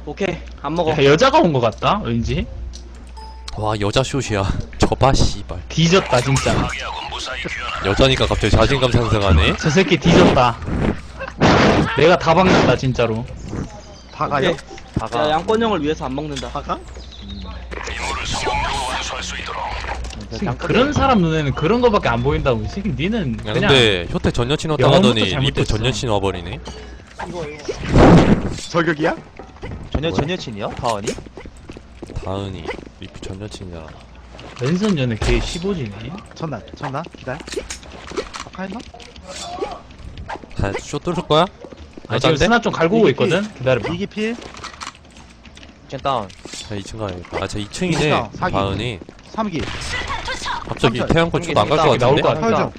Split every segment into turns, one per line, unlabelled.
오케이 안 먹어.
야, 여자가 온 것 같다 왠지.
와 여자 숏이야. 저봐 씨발.
뒤졌다 진짜.
여자니까 갑자기 자신감 상승하네.
저 새끼 뒤졌다. 내가 다 박는다 진짜로.
다가요?
야 양권형을 위해서 안 먹는다.
다가?
지금 그런 사람 눈에는 그런 거밖에 안 보인다고. 이 새끼 니는
야,
그냥
근데 효태 전 여친 왔다
영어부터
가더니 리프
잘못됐어.
전 여친 와버리네.
저격이야?
전여친이요? 다은이?
다은이 리프 전 여친이야.
왼손 연애 걔 15지네.
전나 기다려. 아까 했나?
다쇼 뚫을 거야?
아 지금
여잔데?
스나 좀 갈고 오고 있거든. 기다려봐.
이기 필,
젠 다운.
자 2층 가야겠다. 아, 저 2층이네.
이기다, 사기.
다은이.
3기,
갑자기
삼촌.
태양권 쭉 안 갈 것
나올
같은데?
것 같아.
설정.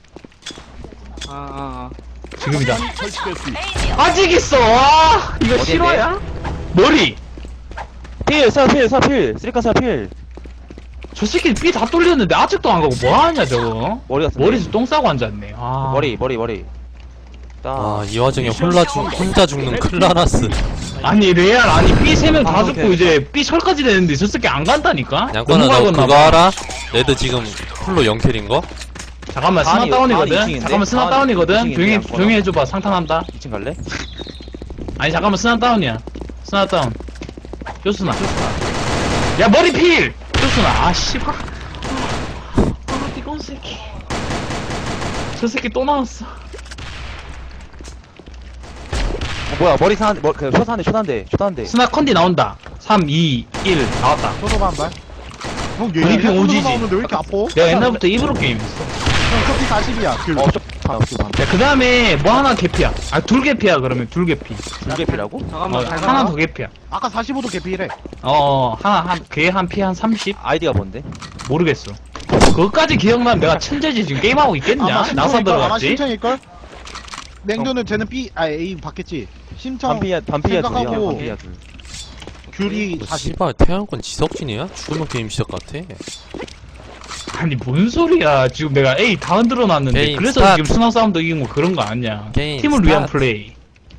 지금이다. 아직 있어. 와 이거
어디인데?
실화야? 머리.
필! 사필! 쓰리카 사필!
저 새끼 삐 다 뚫렸는데 아직도 안 가고 뭐 하냐 저거.
머리 같은데?
머리에서 똥 싸고 앉았네. 아.
머리.
아, 이 와중에 혼자 죽는 클라라스.
아니 레알 아니 B 3명 다
방송
죽고 이제 B 철까지 되는데 저 새끼 안 간다니까?
양권아, 너
넘어가겠나
그거
봐.
알아? 레드 지금 풀로 0킬인 거?
잠깐만 스나
다은이
다운이거든?
이층인데?
잠깐만 스나
다은이
다운이거든?
이층인데,
조용히
양권아.
조용히 해줘봐. 상탄한다.
2층 갈래?
아니 잠깐만 스나 다운이야. 스나 다운. 쇼스나. 야 머리 필! 쇼스나. 아 씨발. 이건 새끼. 저 새끼 또 나왔어.
뭐야 머리 사는데 쇼사는데
스나 컨디 나온다. 3, 2, 1 나왔다.
소노바 한 발. 형, 얘
브리핑
소노바
오지지.
나오는데 왜 이렇게 아파?
내가 옛날부터 입으로 게임했어.
형, 커피 40이야. 귤.
야 그 다음에 뭐 하나 개피야. 아 둘 개피야 그러면 둘 개피.
불개피라고?
잠깐만
하나 더 개피야.
아까 45도 개피래.
하나 걔 한 피 한 30?
아이디가 뭔데?
모르겠어. 그것까지 기억나면 내가 천재지. 지금 게임하고 있겠냐? 나사
아마
들어갔지?
신청일걸? 냉도는 쟤는 B, A 받겠지. 신청
반피야
생각하고
둘이야 반피야 둘.
귤이
너
40.
씨발 태양권 지석진이야? 죽으면 게임 시작 같아.
아니 뭔 소리야. 지금 내가 A 다 흔들어 놨는데
게임
그래서
스타트.
지금 스나 싸움도 이긴 거 그런 거 아니야.
게임
팀을 위한
스타트.
플레이.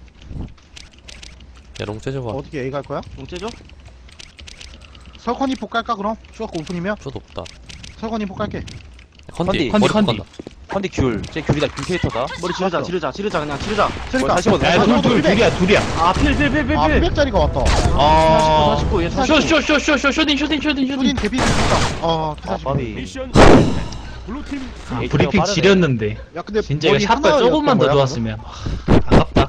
야 롱 째줘봐.
어떻게 A 갈 거야?
용체죠?
설컨이 폭 갈까 그럼? 추억 오픈이면?
쇼도 없다.
설컨이 폭 갈게.
컨디
컨디,
머리
컨디.
간다.
컨디 귤 굴이다 귤 캐릭터다.
머리 지르자 그냥 지르자.
그러니까
다시 보자.
야, 둘이야.
아 필.
아 900짜리가 왔다.
어.
49 얘
쇼쇼쇼쇼쇼 쇼딩.
수린 개피 됐다.
아
940.
바비.
아, 브리핑 지렸는데.
야 근데
진짜 이거
머리
샷발
하나였던
조금만 더
거야,
좋았으면. 아깝다.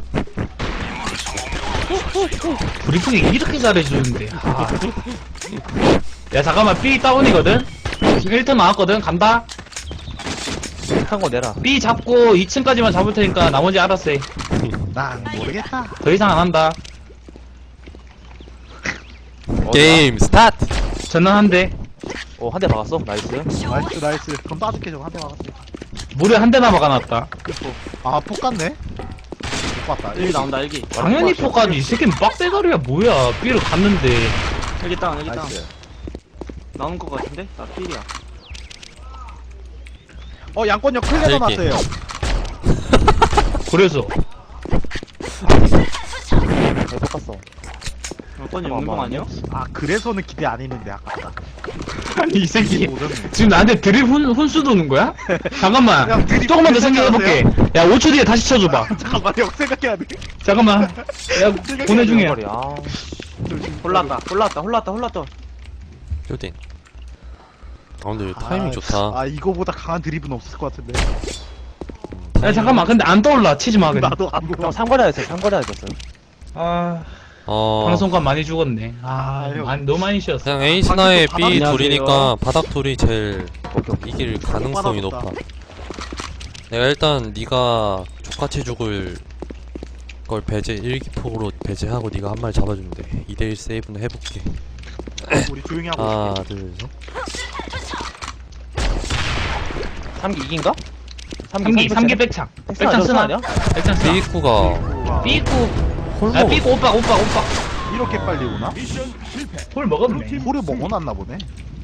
브리핑이 이렇게 잘해주는데. 아. 야 잠깐만 B 다운이거든? 1턴 나왔거든? 간다?
한거 내라.
B 잡고 2층까지만 잡을 테니까 나머지 알아서 해.
그럼? 난 모르겠다.
더 이상 안 한다.
게임 스타트.
전난 한 대.
한 대 박았어. 나이스.
나이스. 그럼 따줄게 저거 한대 막았으니까.
무려 한 대나 박아놨다.
아폭 갔네? 못 봤다.
일기 나온다 일기.
당연히 포까지. 이 새끼는 빡대가리야 뭐야. B를 갔는데.
일기 다운.
나이스.
나온 거 같은데? 나 필이야.
양권역 클레더
네, 이렇게.
났어요.
그래서.
잘 볶았어.
양권이 없는 거 아니야?
아 그래서는 기대 안 했는데 아깝다.
아니 이 새끼.
오졌네.
지금 나한테 드립 훈수 도는 거야? 잠깐만.
야, 드립
조금만 더
훈수
생각해볼게. 야 5초 뒤에 다시 쳐줘봐.
잠깐만 형 생각해야 돼.
잠깐만. 야 보내 중이야.
머리, 아.
홀랐다.
쇼딩. 아 근데 타이밍 좋다.
아 이거보다 강한 드립은 없을 것 같은데.
야 잠깐만. 근데 안 떠올라. 치지 마 그냥.
나도 안
형
보고.
상거리 했어.
아
어.
방송관 많이 죽었네. 아
아유.
너무 많이 쉬었어.
그냥 A 스나의
방금
B
바닥
둘이니까 바닥 둘이 제일
오케이.
이길 가능성이
바닥
높아. 내가 일단 네가 족같이 죽을 걸 배제 일기폭으로 배제하고 네가 한 마리 잡아주면 돼. 2대1 세이브는 해볼게.
우리 조용히 하고.
하나 둘 셋.
3기 이긴가?
3기 백창. 백창 쓰나?
아니야?
백창 쓰나?
B구가
삐꾸.
홀
야
먹었.
삐꾸 오빠.
이렇게 빨리 오나?
홀 먹었네.
홀을 먹어놨나 보네.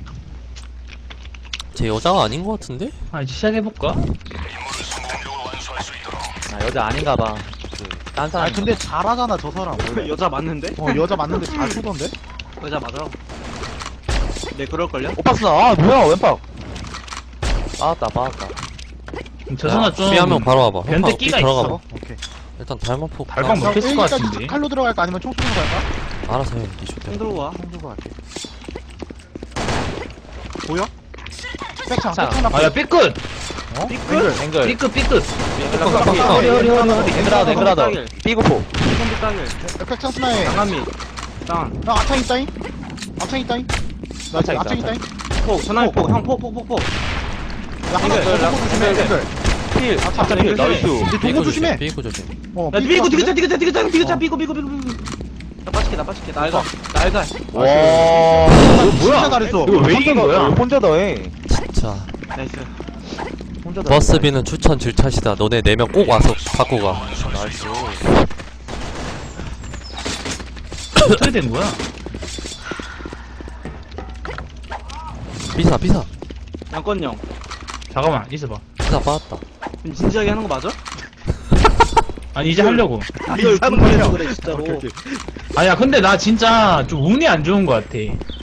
쟤 여자가 아닌 것 같은데?
아 이제 시작해볼까?
아 여자 아닌가봐. 한 사람.
아니 근데 잘하잖아 저 사람 원래.
여자 맞는데?
여자 맞는데 잘 쏘던데?
여자 맞아. 네, 그럴걸요?
오빠 쓰나? 아, 뭐야, 왼박. 빠았다.
저 선아 좀
B 한 명 바로 와봐.
변태
홈파 B
끼가
들어가봐.
있어.
오케이.
일단 달마포.
달방
아,
못했을 것 같은데.
칼로 들어갈까 아니면 총 쏘는 거 할까?
알아서 해. 이
총
때.
들고 와.
총 들고 갈게. 보여? 백창
자.
백창
아야 삐끗
앵글.
삐끗
앵글하다. 삐고포.
콤비 따길.
백창 스나에
장난미. 다운.
나 앞창 있다잉? 앞창 있다잉? 나 지금
앞창
앞창
있다,
있다잉?
폭, 전화기 폭. 형, 폭.
야 하나
앵글,
더 보고 조심해
앵글.
앵글
필.
앞창
필.
앵글.
나이스.
근데 도구 조심해
삐고 조심.
야, 삐고, 삐고. 나 빠질게. 나 알가.
와.
진짜 잘했어
이거 왜 이긴 거야?
혼자 더해.
진짜.
나이스.
혼자 더해.
버스비는 추천 질차시다. 너네 4명 꼭 와서 갖고 가.
나이스.
어떻게 된 거야?
비사.
양권형.
잠깐만 있어봐.
비사 빠졌다.
지금 진지하게 하는 거 맞아?
아니 이제 하려고.
이걸 분발해서 그래, 진짜로.
아야 근데 나 진짜 좀 운이 안 좋은 거 같아.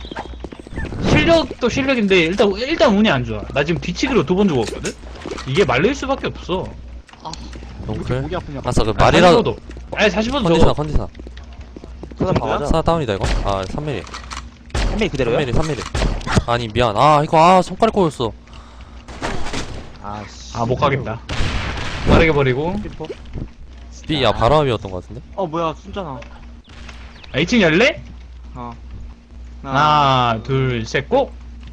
실력도 실력인데 일단 운이 안 좋아. 나 지금 뒤치기로 2번 죽었거든. 이게 말릴 수밖에 없어.
롱클.
목이 아프냐
아싸 그 말이라도.
45도. 아니 45도
컨디셔너
저거.
컨디셔너.
하나 봐가자.
사나 다운이다 이거? 아 3mm.
3mm 그대로야?
3mm. 아니 미안. 아 이거 손가락 꼬였어.
아씨.
아 못 가겠다. 빠르게 버리고.
B 야 바람이었던 것 같은데?
뭐야, 숨잖아.
아, 2층 열래?
어.
하나 둘 셋 고.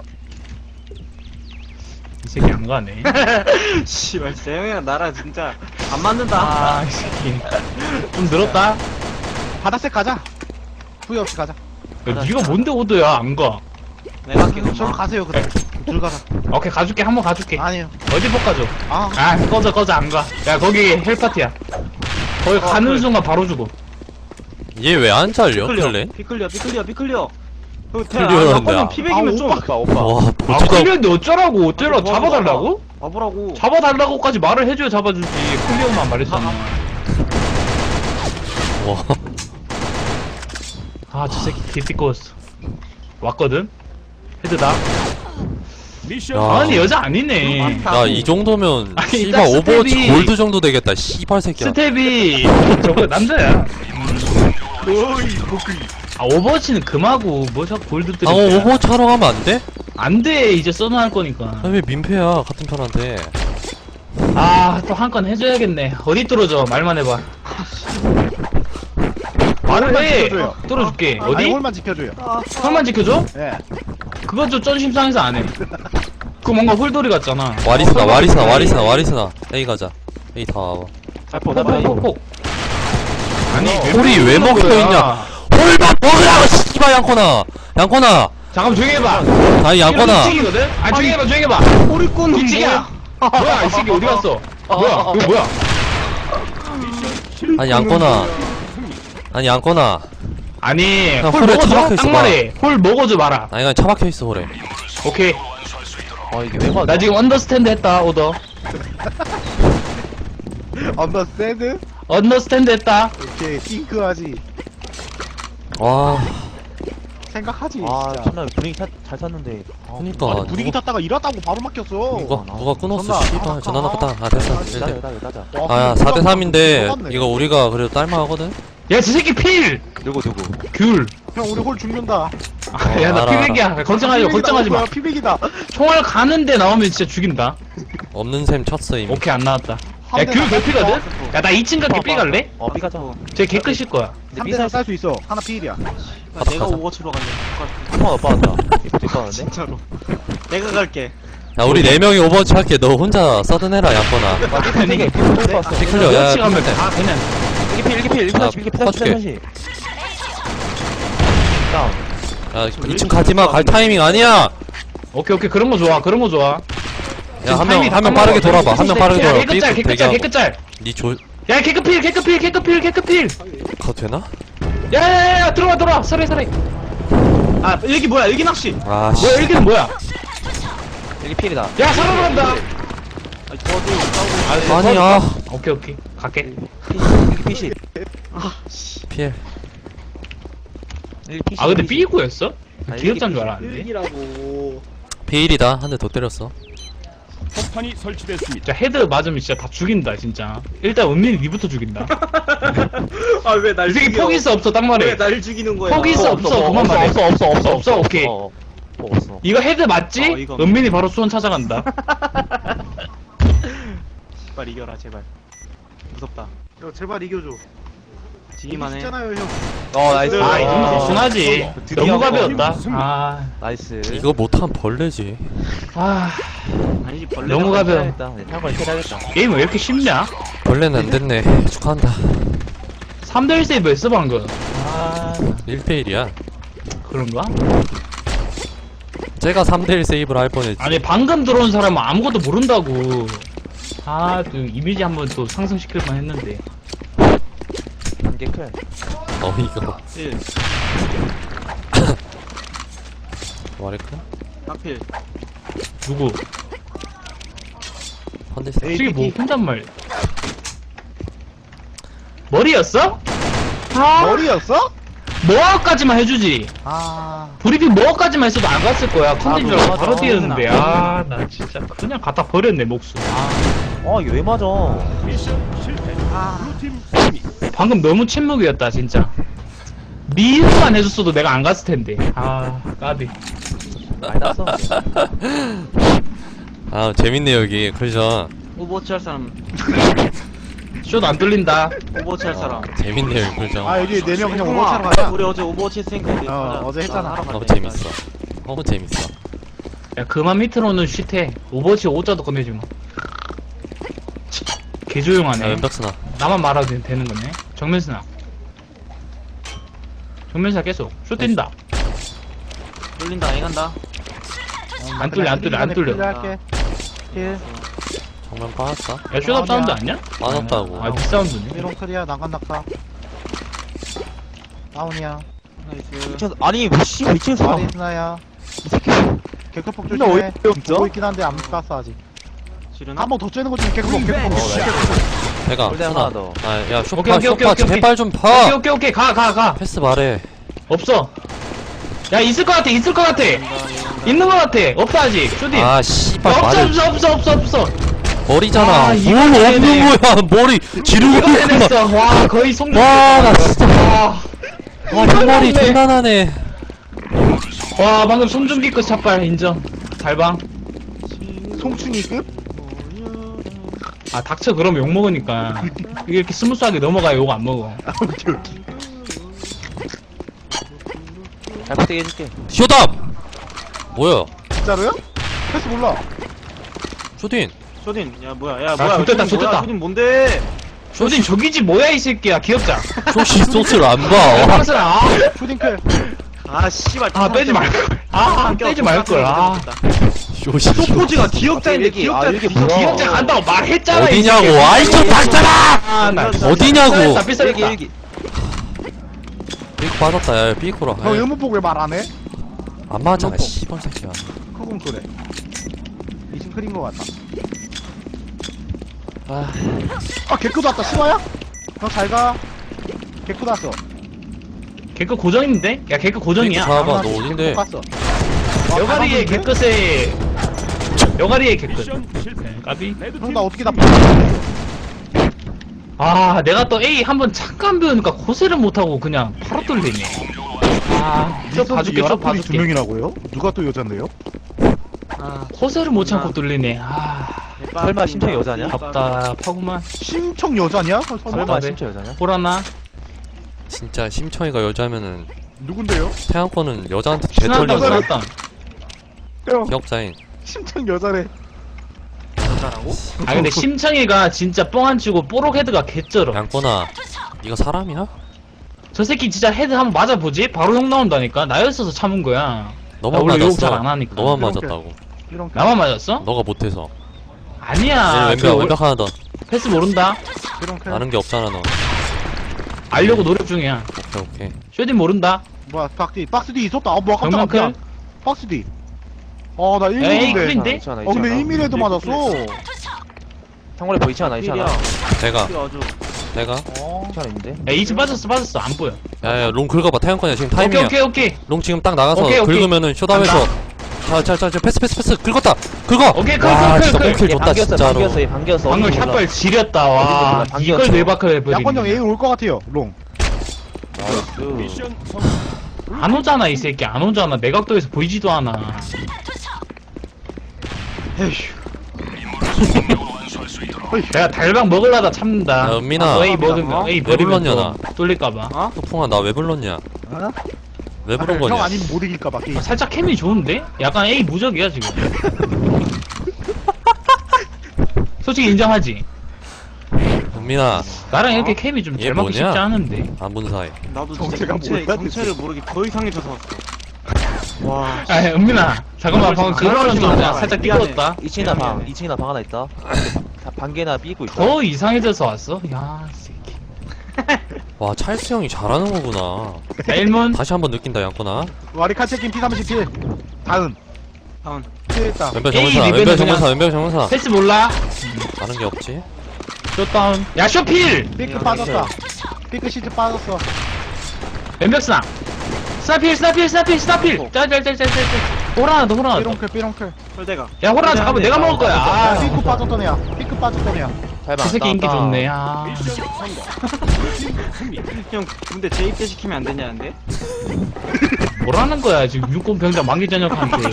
이 새끼 안 가네.
씨발, 재영이랑 나랑 진짜 안 맞는다.
아, 이 새끼. 좀 늘었다.
바닥색 가자 후회 없이 가자
야, 니가 뭔데 오더야 안 가.
내가 할게,
저로
그럼.
가세요 그래 둘 가자
오케이 가줄게 한번 가줄게.
아니에요
어디 못 가줘.
아
아 꺼져 안 가. 야 거기 헬파티야. 거기 가는 순간 바로 죽어.
얘 왜 안 잘려?
피클리어.
클레?
피클리어.
피클리어란다.
아까는 피백이면 좀.
오빠.
와
아
보지도
클리어인데 어쩌라고 잡아달라고?
와보라고.
잡아달라고까지 말을 해줘야 잡아주지. 클리어만 말했잖아.
와
아 저 새끼 개띠꺼웠어. 왔거든? 헤드다.
야.
아니 여자 아니네.
야 이 정도면
아니,
씨발
딱
오버워치
스텝이-
골드 정도 되겠다 씨발 새끼야.
스텝이 저거 남자야. 아 오버워치는 금하고 뭐 자꾸 골드 뜨리.
아 오버워치 하러 가면 안 돼?
안돼 이제 써놔 할 거니까.
아 왜 민폐야 같은 편한테.
아 또 한 건 해줘야겠네. 어디 뚫어줘 말만 해봐. 말을
홀만
해.
지켜줘요.
뚫어줄게.
아니
어디?
홀만 지켜줘요
홀만 지켜줘?
예
그건 좀 쩐심상해서 안 해. 그 뭔가 홀돌이 같잖아.
와리스나 A 가자. A 다 와봐.
폭. 아니
홀이 왜 먹혀있냐? 홀만 먹으라고 씨발 양코나.
잠깐만 조용히 해봐.
아니 양코나.
뒤치기거든? 아 조용히 해봐 조용히 해봐.
꼬리꾼
뒤치기야. 뭐야 이 새끼 어디 갔어? 뭐야 이거 뭐야?
아니 양코나.
아니
그냥
홀
홀에
먹어줘?
처박혀 있어
딱 말해. 홀 먹어줘 마라.
아니 그냥 처박혀 있어 홀에.
오케이.
아 이게 왜 맞아?
나 지금 언더스탠드 했다 오더.
언더스탠드?
언더스탠드 했다.
오케이 띵크하지
와
생각하지
아
진짜
참나 분위기 잘 탔는데.
그니까
아니 분위기 탔다가 일하다고 바로 막혔어
누가 끊었어
전화,
씨발 전화 나갔다. 아 됐어.
따자.
아야 4대3인데 이거 우리가 그래도 딸만하거든?
야 저 새끼 필.
누구?
귤.
형 우리 홀 죽는다
야 나
알아,
피백이야. 걱정하지 마.
피백이다
총알 가는데 나오면 진짜 죽인다.
없는 셈 쳤어 이미.
오케이 안 나왔다.
한
야
대나
귤 개피거든? 야 나 2층 갈게 삐 갈래?
삐 가자.
쟤 개끝일 거야.
3대나 쌀 수 있어 하나 피일이야
내가 오버치로 갈래.
한번 오빠한다. 이거 빠는데?
진짜로. 내가 갈게.
야 우리 4명이 오버워치 할게. 너 혼자 서든해라 양거나.
아니
피클리어 야
같이 가면
피클리어.
다 그냥
일기필
아, 퍼줄게.
다운.
야 2층 가지마. 갈 타이밍 아니야.
오케이 그런 거 좋아.
야 한 명 빠르게 돌아봐. 한 명 빠르게 돌아봐.
개끝짤
대기하고.
개끝짤.
니 조...
야 개끝필.
가도 되나?
야야야 들어와 서래.
아, 일기 뭐야? 일기 낚시.
아 씨.
뭐야 일기는 뭐야?
일기필이다.
야 살아난다.
저도 싸우고
아니야.
오케이 오케이 갈게.
PC
피해.
아 근데 B구였어? 기억자인 줄 알았는데.
일기라고.
P1이다. 한 대 더 때렸어.
폭탄이 설치됐습니다.
진짜 헤드 맞으면 진짜 다 죽인다 진짜. 일단 은민이 니부터 죽인다.
아왜 날
이 새끼
죽여?
포기 있어 없어 딱 말해.
왜 날 죽이는 거야?
포기 있어 없어 그만 말해. 없어 오케이.
없어.
이거 헤드 맞지?
이거
은민이 바로 수원 찾아간다.
제발 이겨라 제발. 무섭다.
야, 제발 이겨줘.
지기만 해.
있잖아요, 형.
나이스.
아 이 정도 순하지.
드디어
너무 가벼웠다.
승리.
아.
나이스.
이거 못하면 벌레지.
아.
아니지 벌레.
너무 가벼워.
해야겠다. 네, 탈걸 해야겠다.
게임 왜 이렇게 쉽냐?
벌레는 안 됐네. 축하한다.
3대1 세이브 했어 방금. 아
1대1이야.
그런가?
제가 3대1 세이브를 할 뻔했지.
아니 방금 들어온 사람은 아무것도 모른다고. 아 또 이미지 한번 또 상승시킬만 했는데.
단계 클.
이거.
1
와레크?
딱필.
누구?
헌데스.
솔직히 뭐 혼잣말. 머리였어? 아
머리였어?
뭐까지만 해주지.
아.
브리핑 뭐까지만 했어도 안 갔을 거야. 컨텐츠 줄 알고
맞아.
바로 뛰었는데. 아 나 진짜 그냥 갖다 버렸네 목숨.
이게 왜 맞아?
미션 실패. 블루팀 승리.
방금 너무 침묵이었다 진짜. 미흡만 해줬어도 내가 안 갔을 텐데. 아 까비.
많이 났어.
아, 재밌네, 여기. 클전.
오버워치 할 사람.
숏 안 뚫린다.
오버워치 할 사람.
재밌네, 여기 클전.
아, 여기 4명 그냥
형아,
오버차로 가자.
우리 어제 오버워치 했으니까 이제 가자.
어제 했잖아.
나 하러
너무
갈게.
재밌어. 너무 재밌어.
야 그만 밑으로는 쉿해. 오버워치 5자도 꺼내지 마.
야,
개조용하네.
왼벽스나.
나만 말하도 되는 거네. 정면스나. 정면스나 계속. 숏 뛴다.
뚫린다 안 간다.
안 뚫려 안 뚫려 안 뚫려.
할게. 힐.
정면 빠졌다.
야 숏업 사운드 아니야?
빠졌다고.
아 뒷사운드네.
미롱 클리어, 난간 낙하. 다운이야.
나이스.
아니, 씨, 미친
마리 스나야. 개크폭
근데
조심해.
어디 없죠?
보고 있긴 한데 안 깠어, 아직.
지르나?
한 번 더 쬐는 거 중에 개크폭, 개크폭.
내가,
골대
스나.
하나 더.
아, 야,
오케이,
쇼파,
오케이, 오케이,
쇼파,
오케이,
제발 좀
오케이
봐!
오케이 오케이 가.
패스 말해.
없어. 야 있을 것 같아 있을 것 같아. 있는 것 같아. 없어 아직. 숏이.
아, 씨발, 말을.
없어.
머리잖아.
아,
뭘
이거
없는
해내.
거야, 머리. 지르고
이거
있구만.
해냈어. 와 거의 송.
와, 나 진짜.
와.
와, 흰머리 장난하네.
와 방금 손준기급 샷발 인정. 달방.
송충이급?
아 닥쳐 그럼 욕 먹으니까. 이게 이렇게 스무스하게 넘어가야 욕 안 먹어.
오케이, 오케이.
잘 부탁 해줄게.
쇼답! 뭐야?
진짜로요? 패스 몰라.
쇼딘.
쇼딘 야 뭐야 야 뭐야
좋댔다,
쇼딘 뭐야?
좋댔다.
쇼딘 뭔데?
쇼진 저기지 뭐야 이 새끼야 귀엽자.
쇼시 소스를 안 봐.
황슬아. 아,
슈딩클.
아 씨발
아 빼지 말걸. 아 빼지 말걸. 아
쇼시.
포즈가 기억자인데
일기,
기억자
일기 뭐야?
기억자 간다고 말했잖아. 이
어디냐고.
새끼야.
아이, 좀 닥쳐라!
아, 나
어디냐고.
삐싸겠다.
일기.
삐코 빠졌다, 야, 삐코라.
형 의문폭 왜 말 안 해?
안 맞아,
의문폭.
씨발 새끼야.
크군 그래. 이신 클인 거 같다. 아, 개크도 왔다. 심화야? 너 잘 가. 개크도 왔어.
개그 고정인데? 야 개그 고정이야.
삐코 잡아봐, 너 어딘데?
갔어.
여가리의 개끝에 여가리의 개끝.
미션 실패.
까비.
형, 나 어떻게 다
아 내가 또 A 한번 잠깐 배우니까 고세를 못하고 그냥 바로 뚫리네. 저 봐줄게 저 봐줄게.
명이라고요? 누가 또 여잔데요?
아 고세를 못 참고 뚫리네.
설마 심청이 여자냐?
답답하구만.
심청 여자냐? 설마?
설마
네.
심청 여자냐?
보라나
진짜 심청이가 여자면은
누군데요?
태양권은 여자한테
순한다
개털린 거야.
순한다.
형,
기억자인.
심청 여자래.
여자라고?
아 근데 심청이가 진짜 뻥 안 치고 뽀록 헤드가 개쩔어.
양권아, 이거 사람이야?
저 새끼 진짜 헤드 한번 맞아보지? 바로 욕 나온다니까. 나였어서 참은 거야.
너만
원래 욕
맞았어.
잘 안 하니까.
너만
이렇게.
맞았다고.
이런
나만 맞았어?
너가 못해서.
아니야.
왼벽,
그
왼벽 하나 더.
패스 모른다.
이런 클.
아는 게 없잖아, 너.
알려고 노력 중이야.
오케이.
쇼딘 모른다.
뭐야, 박스 뒤 있었다. 뭐야, 깜짝이야.
정면클?
박스 뒤. 나
에이
1mm인데.
클린데?
괜찮아,
근데
괜찮아.
1mm에도 맞았어.
창고에 뭐 있지 않아 있지 않아?
내가
필 아주.
내가
어.
있지 않아 있는데?
야 2층 빠졌어 안 보여.
야야 롱 긁어봐 태양권이야 지금
오케이
타이밍이야
오케이 오케이
롱 지금 딱 나가서
오케이, 오케이.
긁으면은 쇼다에서 자자자 패스 긁었다 긁어
오케이,
와
클,
진짜
클,
몽킬 줬다 진짜로
얘 반겼어.
방금
어딘지 몰라.
샷발 지렸다 와
어딘지 몰라,
이걸
반겼어.
뇌박을
양권 형 A
해버리네.
올 것 같아요. 롱.
나이스.
미션 성공.
안 오잖아 이 새끼 안 오잖아 내각도에서 보이지도 않아. 내가 달방 먹으려다 참는다.
야, 은민아.
A 먹으면 A
왜
버리면
불렀냐,
또 뚫릴까봐.
소풍아 나 왜 불렀냐
어?
왜 부른
형
거냐
아니면 못 이길까봐 게임.
살짝 캠이 좋은데? 약간 A 무적이야 지금. 솔직히 인정하지.
은민아
나랑 이렇게 캠이 좀
얘
잘 맞기
뭐냐?
쉽지 않은데.
안 본 사이
나도 진짜
정체가 뭐야,
정체를 모르게 더 이상해져서 왔어. 와.
아 은민아 잠깐만 방금 그거는 좀 살짝
미안해.
삐끗었다.
2층이나 방 2층이나 방 하나 있다. 반개나 삐고 있다.
더 이상해져서 왔어? 야 이 새끼.
와 찰스 형이 잘하는 거구나
자 1문
다시 한번 느낀다 양권아
와리 칼체킨 P37. 다은.
다운.
피했다.
왼벽
에이,
정문사
리벤은
왼벽
그냥-
정문사 왼벽 정문사
패스 몰라?
다른 게 없지
쇼다운 야 쇼필!
삐끗 빠졌다. 삐끗 시트 빠졌어.
왼벽스나 스나필 짤짤짤짤짤 호라나 더 호라나
삐롱클 삐롱클.
홀대가.
야 호라나 잠깐만 내가 먹을 거야 아,
삐끗 빠졌던 애야. 삐끗 빠졌던 애야.
잘봐.
그 새끼 인기 좋네 아
미션 성공. 블루팀 승리.
형 군대 재입대 시키면 안 되냐는데?
뭐라는 거야 지금 육군 병장 만기 전역한테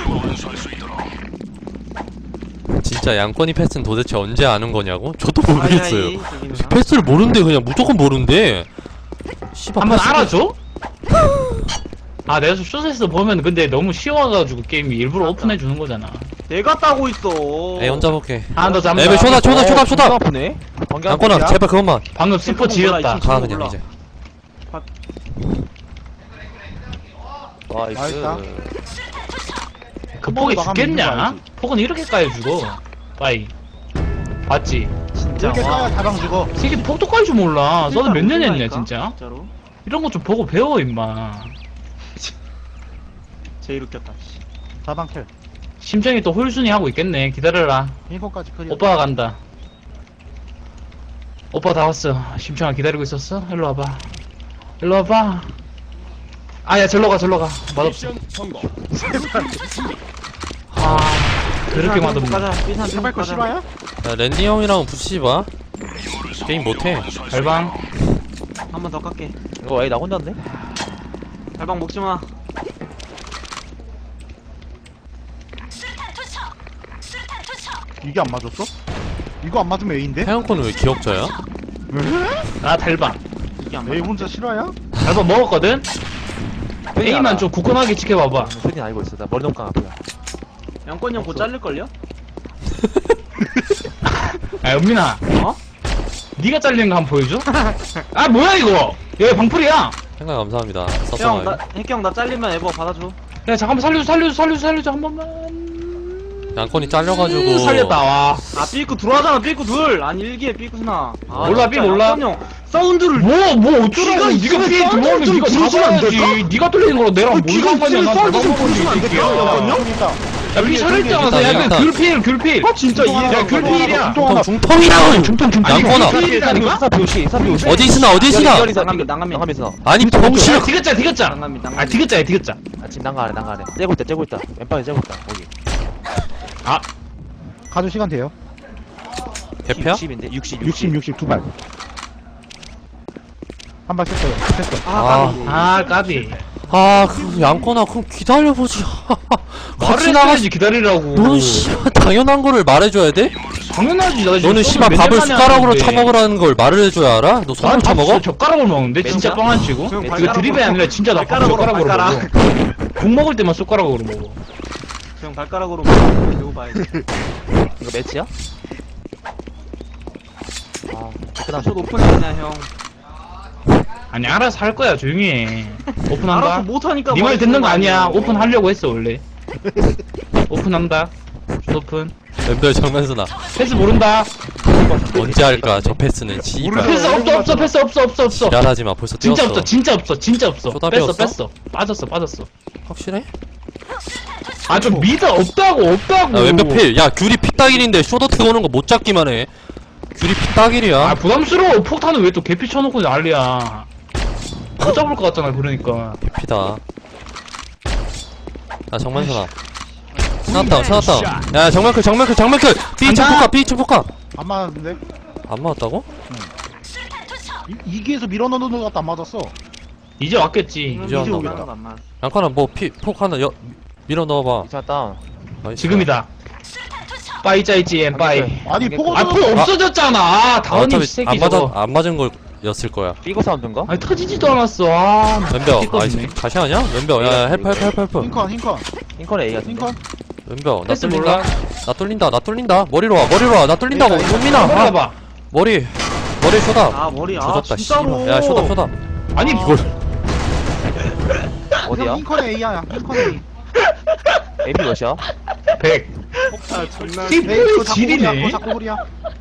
진짜 양권이 패스는 도대체 언제 아는 거냐고? 저도 모르겠어요
아이아이, 저기는.
패스를 모른대 그냥 무조건 모른대 씨발
한번
패스-
알아줘? 아 내가 좀 쇼트에서 보면 근데 너무 쉬워가지고 게임이 일부러 오픈해주는 거잖아
내가 따고 있어.
에이 혼자 볼게
하나 더 잡는다
에이 쇼다
존나 아프네. 반개 한
양권아
야?
제발 그것만
방금 스포 지렸다
몰라,
가
몰라.
그냥 이제
나이스.
나이스다.
그 폭이
나가면
죽겠냐?
이긴 거 알지?
폭은 이렇게 까여 죽어 빠이 봤지?
진짜.
이렇게
와.
까야 다방 죽어.
새끼 폭도 깔 줄 몰라 너도 몇 년 했냐
모른다니까,
진짜?
진짜로.
이런 거 좀 보고 배워 임마
제일 웃겼다. 씨.
다방 킬.
심정이 또 홀순이 하고 있겠네 기다려라
인콘까지 클리어.
오빠가 간다 오빠 다 왔어 심청아 기다리고 있었어? 일로 와봐 일로 와봐 아야 절로 가 맛없어
미션 성공. 블루팀 승리.
아 그렇게 맛없네
가자. 삐산
제발 거 실화야?
야 랜디 형이랑 붙이지 마 게임 못해
발방
한번 더 깎게.
이거 나 혼자인데?
달방 먹지 마.
이게 안 맞았어? 이거 안 맞으면 A인데?
태양권은 왜 기억자야?
나 달방
이게 안
A
맞아.
혼자 실화야?
달방 먹었거든? A만 좀 굳건하게 지켜봐봐
소진 알고 있어. 나 머리 너무 깡아프다.
양권이 형곧 자를걸요?
야 은민아
어?
니가 잘리는 거 한번 보여줘? 아 뭐야 이거 얘 방풀이야
생각 감사합니다
형,
썼어
나, 핵형 나 잘리면 에버 받아줘.
야 잠깐만 살려줘 한 번만
양권이 잘려가지고
살렸다 와
아, 삐꾸 들어가잖아, 삐꾸 둘! 아니, 일기에 삐꾸스나. 아,
몰라,
진짜
삐 몰라.
양권 형, 사운드를.
뭐 어쩌라고 니가
있으면
피해
사운드
들어오면
좀
니가
들어주면 안
잡아야지
될까?
니가 뚫리는 거랑 내랑 뭘
기가
상관이야
있으면
난
사운드 좀
잘못
들어주면 안 될까?
야
형 있다.
삐 살릴 줄 알아서
일단,
야
일단.
귤필
아, 진짜 이해.
야, 귤필이야.
중통 중통이라고
중통
양권아.
귤필이라니까?
사표시.
어디 있으나
난감이.
난감이 있어.
아니 병신
디귿자
난감이.
아 디귿자야 디귿자
아 지금 난가래. 째고 있다. 왼방에 째고 있다. 거기.
가도 시간 돼요.
개패야?
60인데 60.
60 두 발. 한 발 쳤어요. 됐어.
아 까비
아 그 양권아 그럼 기다려보지
말을
같이 나가
해야지 기다리라고
너는 씨발 당연한 거를 말해줘야 돼?
당연하지 나 지금
너는
소주
씨발
몇
밥을
년 만에
숟가락으로
하는데.
처먹으라는 걸 말을 해줘야 알아? 너 손으로
나는 밥
처먹어?
진짜 젓가락으로 먹는데 진짜
진짜?
뻥 안 치고
형,
이거
발가락으로
드립이 아니라 진짜 나밥
발가락으로,
젓가락으로 먹어 국 먹을 때만 숟가락으로 먹어
형 발가락으로 배고 봐야지.
이거 매치야? 아, 끝나.
숏 오픈했냐, 형.
아니 알아서 할 거야 조용히 해
알아서
오픈한다
못하니까.
니 말 듣는 거 아니야
아니에요.
오픈하려고 했어 원래 오픈한다 오픈
멤버 장난스나
패스 모른다
언제 할까 저 패스는 씨발
패스 없어
지랄하지마 벌써
진짜
뛰었어
없어 진짜 없어
쇼답이
뺐어
없어?
빠졌어
확실해?
아 좀 미드 없다고.
야 왼벽 필. 야 귤이 피따길인데 쇼더트 오는 거 못 잡기만 해. 귤이 피따길이야.
아 부담스러워. 폭탄은 왜 또 개피 쳐놓고 난리야. 못 잡을 것 같잖아 그러니까.
개피다. 야 정면선아. 스나다운 스나다운. 야 정면클 B층 포카 B층 포카.
안 맞았는데?
안 맞았다고?
이기에서 밀어넣는 것 같다 안 맞았어.
이제 왔겠지.
이제 왔나
오겠다.
보다. 양카나 뭐 폭 하나 밀어 넣어봐.
이차 다운.
나이스.
지금이다. 빠이 짜이지 엠 빠이.
아니 포고
아 폭 없어졌잖아.
아,
다운이
어차피
새끼 저거.
안 맞은 거였을 거야.
삐고 사운드인가?
아니 터지지도 않았어. 아
왼벽. 아
있네.
다시 하냐? 왼벽. 야 헬프.
흰컨
흰컨 A 같은데?
흰컨.
왼벽. 나
패스
뚫린다.
몰라.
나 뚫린다. 머리로 와. 나 뚫린다. 문민아.
한번 해봐.
머리 쇼다.
아 머리 아
조졌다.
진짜로.
씨발. 야 쇼다.
아니
이걸
어디야?
흰컨 A야. 흰컨 A.
AP 몇이야?
100.
아 존나.
에이,
피부의
그거 자꾸
질이네.
그거 자꾸 그리야.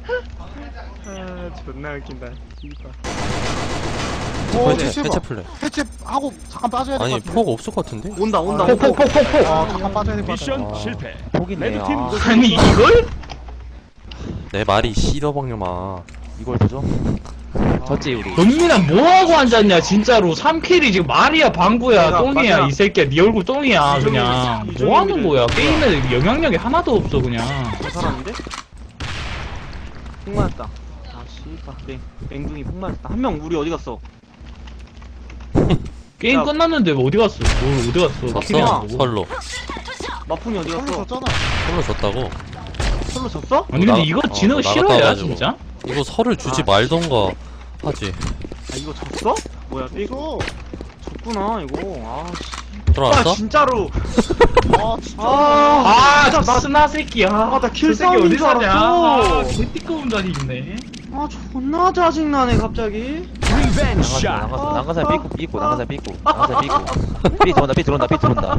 아 존나 웃긴다. 씨발.
오
해체 플레이.
해체하고 잠깐 빠져야 될
아니
것 같은데.
폭 없을 것 같은데?
온다.
폭.
잠깐 빠져야 될 것 같아.
미션
아.
실패.
폭이네.
레드팀
아,
아니 이걸?
내 말이 씨더벙녀마.
이걸 보죠? 졌지 우리.
영민아 뭐하고 앉았냐 진짜로. 3킬이 지금 말이야 방구야
내가
똥이야
맞아.
이 새끼야. 네 얼굴 똥이야 그냥.
이정현이지.
뭐하는 거야. 게임에 영향력이 하나도 없어 그냥.
저 사람인데? 폭 맞았다. 아 씨발. 맹둥이 폭 맞았다. 한 명 우리 어디 갔어?
게임
야.
끝났는데 어디 갔어? 뭘 어디 갔어? 킬이 안
졌어.
나고.
설로.
마풍이 어디
선물
갔어?
줬잖아.
설로 졌다고.
솔로 졌어?
아니 근데
나가-
이거
어,
지는 거
나갔다
싫어야
와가지고.
진짜?
이거 설을 주지
아,
말던가 하지.
아 이거 졌어? 뭐야 이거 졌구나 이거. 아 씨.
들어왔어?
아 진짜로.
아 진짜.
아, 저
나-
스나 새끼야.
나 킬
저 새끼
싸움인
어디
줄
사냐?
알았어.
아, 개띠꺼운 자리 있네.
아 존나 짜증나네 갑자기.
리벤지 샷.
난간살 삐고 난간살 삐고 삐 들어온다.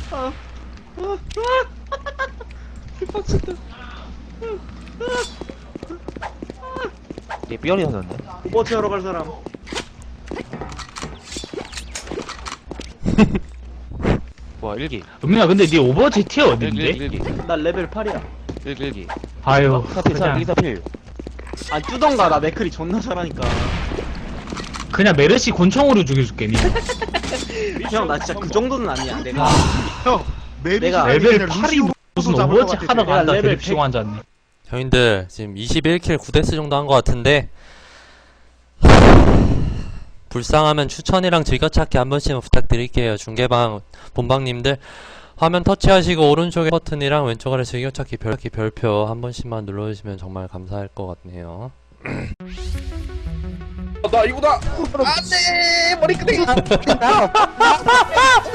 얘 삐어리 하셨네.
오버워치 하러 갈 사람.
뭐야 1기.
은민아 근데 네 오버워치 티어 어딘데?
1기.
나 레벨 8이야.
1기.
아유
사필
그냥
사필.
아 뜨던가 나 맥클이 존나 잘하니까.
그냥 메르시 권총으로 죽여줄게 니.
형 나 진짜 그 정도는 아니야. 내가
형
내가
레벨 8이 무슨 오버워치 하러
내가
간다
레벨
드립치고 앉았네.
형님들 지금 21킬 9데스 정도 한 것 같은데 불쌍하면 추천이랑 즐겨찾기 한 번씩만 부탁드릴게요. 중계방 본방님들 화면 터치하시고 오른쪽에 버튼이랑 왼쪽 아래 즐겨찾기 별표 한 번씩만 눌러주시면 정말 감사할 것 같네요.
나 이거다. 안돼 머리끄댕이.